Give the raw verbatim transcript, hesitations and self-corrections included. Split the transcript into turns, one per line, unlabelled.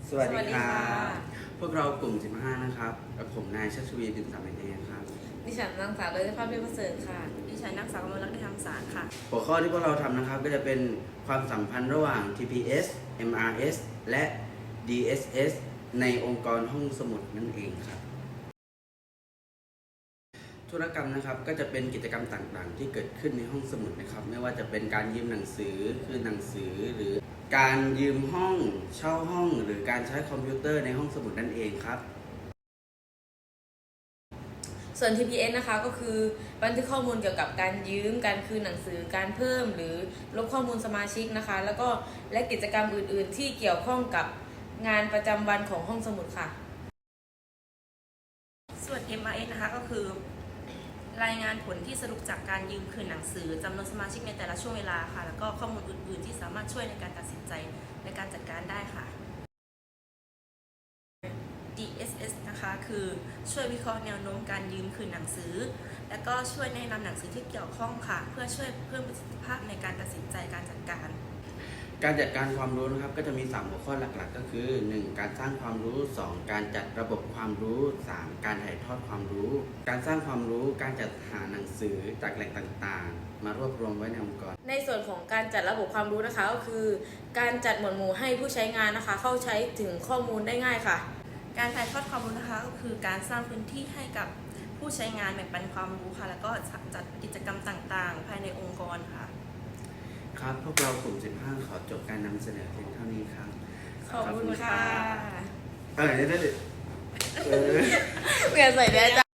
สวัสดีครับพวกเรากลุ่มสิบห้านะครับกับผมนายชัชวีดินสามเองครับ
ดิฉันนางสาวเลยภาพเรียบประเสริฐค่ะ
ดิฉันนางสาวกมลรัตน์ได้ทำสารค่ะ
หัวข้อที่พวกเราทำนะครับก็จะเป็นความสัมพันธ์ระหว่าง ที พี เอส เอ็ม อาร์ เอส และ ดี เอส เอส ในองค์กรห้องสมุดนั่นเองครับธุรกรรมนะครับก็จะเป็นกิจกรรมต่างๆที่เกิดขึ้นในห้องสมุดนะครับไม่ว่าจะเป็นการยืมหนังสือคือหนังสือหรือการยืมห้องเช่าห้องหรือการใช้คอมพิวเตอร์ในห้องสมุดนั่นเองครับ
ส่วน ที พี เอส นะคะก็คือบันทึกข้อมูลเกี่ยวกับการยืมการคืนหนังสือการเพิ่มหรือลบข้อมูลสมาชิกนะคะแล้วก็และกิจกรรมอื่นๆที่เกี่ยวข้องกับงานประจำวันของห้องสมุดค่ะ
ส่วน เอ็ม อาร์ เอส นะคะก็คือรายงานผลที่สรุปจากการยืมคืนหนังสือจำนวนสมาชิกในแต่ละช่วงเวลาค่ะแล้วก็ข้อมูลอื่นๆที่สามารถช่วยในการตัดสินใจในการจัดการได้ค่ะ ดี เอส เอส นะคะคือช่วยวิเคราะห์แนวโน้มการยืมคืนหนังสือและก็ช่วยแนะนำหนังสือที่เกี่ยวข้องค่ะเพื่อช่วยเพิ่มประสิทธิภาพในการตัดสินใจการจัดการ
การจัดการความรู้นะครับก็จะมีสามหัวข้อหลักๆก็คือหนึ่งการสร้างความรู้สองการจัดระบบความรู้สามการถ่ายทอดความรู้ การสร้างความรู้การจัดหาหนังสือจากแหล่งต่างๆมารวบรวมไว้ในองค์กร
ในส่วนของการจัดระบบความรู้นะคะก็คือการจัดหมวดหมู่ให้ผู้ใช้งานนะคะเข้าใช้ถึงข้อมูลได้ง่ายค่ะ
การถ่ายทอดความรู้นะคะก็คือการสร้างพื้นที่ให้กับผู้ใช้งานแบ่งปันความรู้ค่ะแล้วก็จัดกิจกรรมต่างๆ ภายในองค์กรค่ะ
ครับพวกเรากลุ่มสิบห้าขอจบการนำเสนอเพียงเท่านี้ครับ
ขอบคุณค่ะ
เออได้เลยเออ
เปลี่ยนใส่ได้จ้ะ